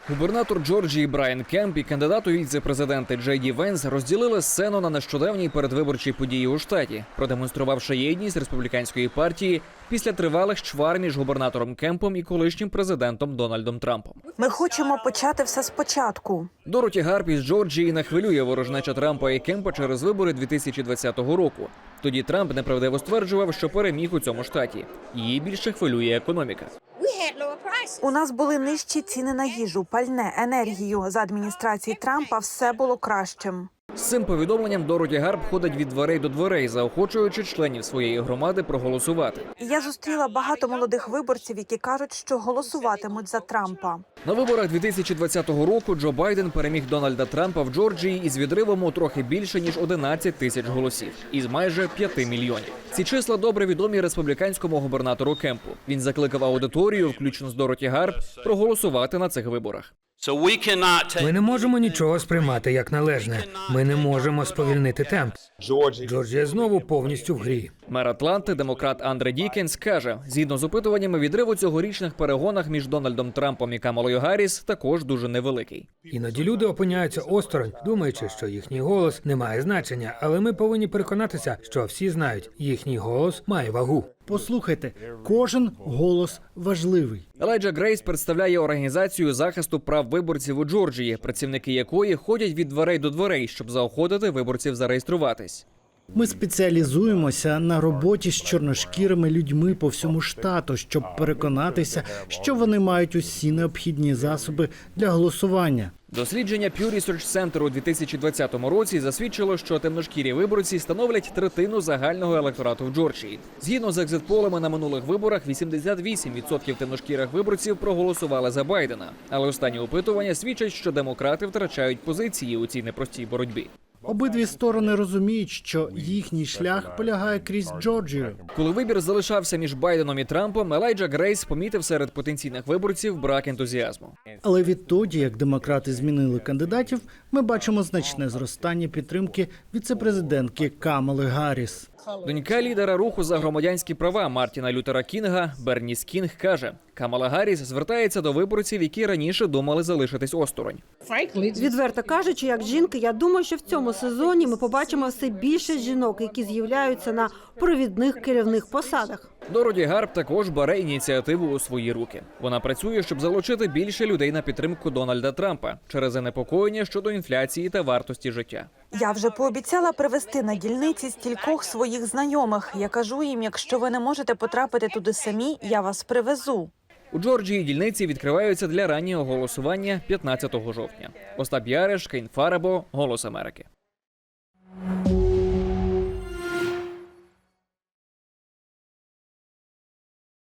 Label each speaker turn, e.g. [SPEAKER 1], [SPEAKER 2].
[SPEAKER 1] Губернатор Джорджії Брайан Кемп і кандидат у віце-президенти Джей Ді Венс розділили сцену на нещодавній передвиборчій події у штаті, продемонструвавши єдність республіканської партії після тривалих чвар між губернатором Кемпом і колишнім президентом Дональдом Трампом.
[SPEAKER 2] Ми хочемо почати все спочатку.
[SPEAKER 1] Дороті Гарп із Джорджії не хвилює ворожнеча Трампа і Кемпа через вибори 2020 року. Тоді Трамп неправдиво стверджував, що переміг у цьому штаті. Її більше хвилює економіка.
[SPEAKER 2] У нас були нижчі ціни на їжу, пальне, енергію. За адміністрації Трампа все було кращим.
[SPEAKER 1] З цим повідомленням Дороті Гарп ходить від дверей до дверей, заохочуючи членів своєї громади проголосувати.
[SPEAKER 2] Я зустріла багато молодих виборців, які кажуть, що голосуватимуть за Трампа.
[SPEAKER 1] На виборах 2020 року Джо Байден переміг Дональда Трампа в Джорджії із відривом у трохи більше, ніж 11 тисяч голосів, із майже 5 мільйонів. Ці числа добре відомі республіканському губернатору Кемпу. Він закликав аудиторію, включно з Дороті Гарп, проголосувати на цих виборах.
[SPEAKER 3] Ми не можемо нічого сприймати як належне. Ми не можемо сповільнити темп. Джорджія знову повністю в грі.
[SPEAKER 1] Мер Атланти, демократ Андре Дікенс, каже, згідно з опитуваннями, відрив у цьогорічних перегонах між Дональдом Трампом і Камалою Гарріс також дуже невеликий.
[SPEAKER 3] Іноді люди опиняються осторонь, думаючи, що їхній голос не має значення, але ми повинні переконатися, що всі знають, їхній голос має вагу.
[SPEAKER 4] Послухайте, кожен голос важливий.
[SPEAKER 1] Елайджа Грейс представляє організацію захисту прав виборців у Джорджії, працівники якої ходять від дверей до дверей, щоб заохотити виборців зареєструватись.
[SPEAKER 4] Ми спеціалізуємося на роботі з чорношкірими людьми по всьому штату, щоб переконатися, що вони мають усі необхідні засоби для голосування.
[SPEAKER 1] Дослідження Pew Research Center у 2020 році засвідчило, що темношкірі виборці становлять третину загального електорату в Джорджії. Згідно з екзит-полами на минулих виборах, 88% темношкірих виборців проголосували за Байдена. Але останні опитування свідчать, що демократи втрачають позиції у цій непростій боротьбі.
[SPEAKER 4] Обидві сторони розуміють, що їхній шлях полягає крізь Джорджію.
[SPEAKER 1] Коли вибір залишався між Байденом і Трампом, Елайджа Грейс помітив серед потенційних виборців брак ентузіазму.
[SPEAKER 4] Але відтоді, як демократи змінили кандидатів, ми бачимо значне зростання підтримки віцепрезидентки Камали Гарріс.
[SPEAKER 1] Донька лідера руху за громадянські права Мартіна Лютера Кінга, Берніс Кінг, каже, Камала Гарріс звертається до виборців, які раніше думали залишитись осторонь.
[SPEAKER 5] Відверто кажучи, як жінка, я думаю, що в цьому сезоні ми побачимо все більше жінок, які з'являються на провідних керівних посадах.
[SPEAKER 1] Дороті Гарп також бере ініціативу у свої руки. Вона працює, щоб залучити більше людей на підтримку Дональда Трампа через занепокоєння щодо інфляції та вартості життя.
[SPEAKER 2] Я вже пообіцяла привезти на дільниці стількох своїх знайомих. Я кажу їм, якщо ви не можете потрапити туди самі, я вас привезу.
[SPEAKER 1] У Джорджії дільниці відкриваються для раннього голосування 15 жовтня. Остап Яриш, Кейн Фарабо, Голос Америки.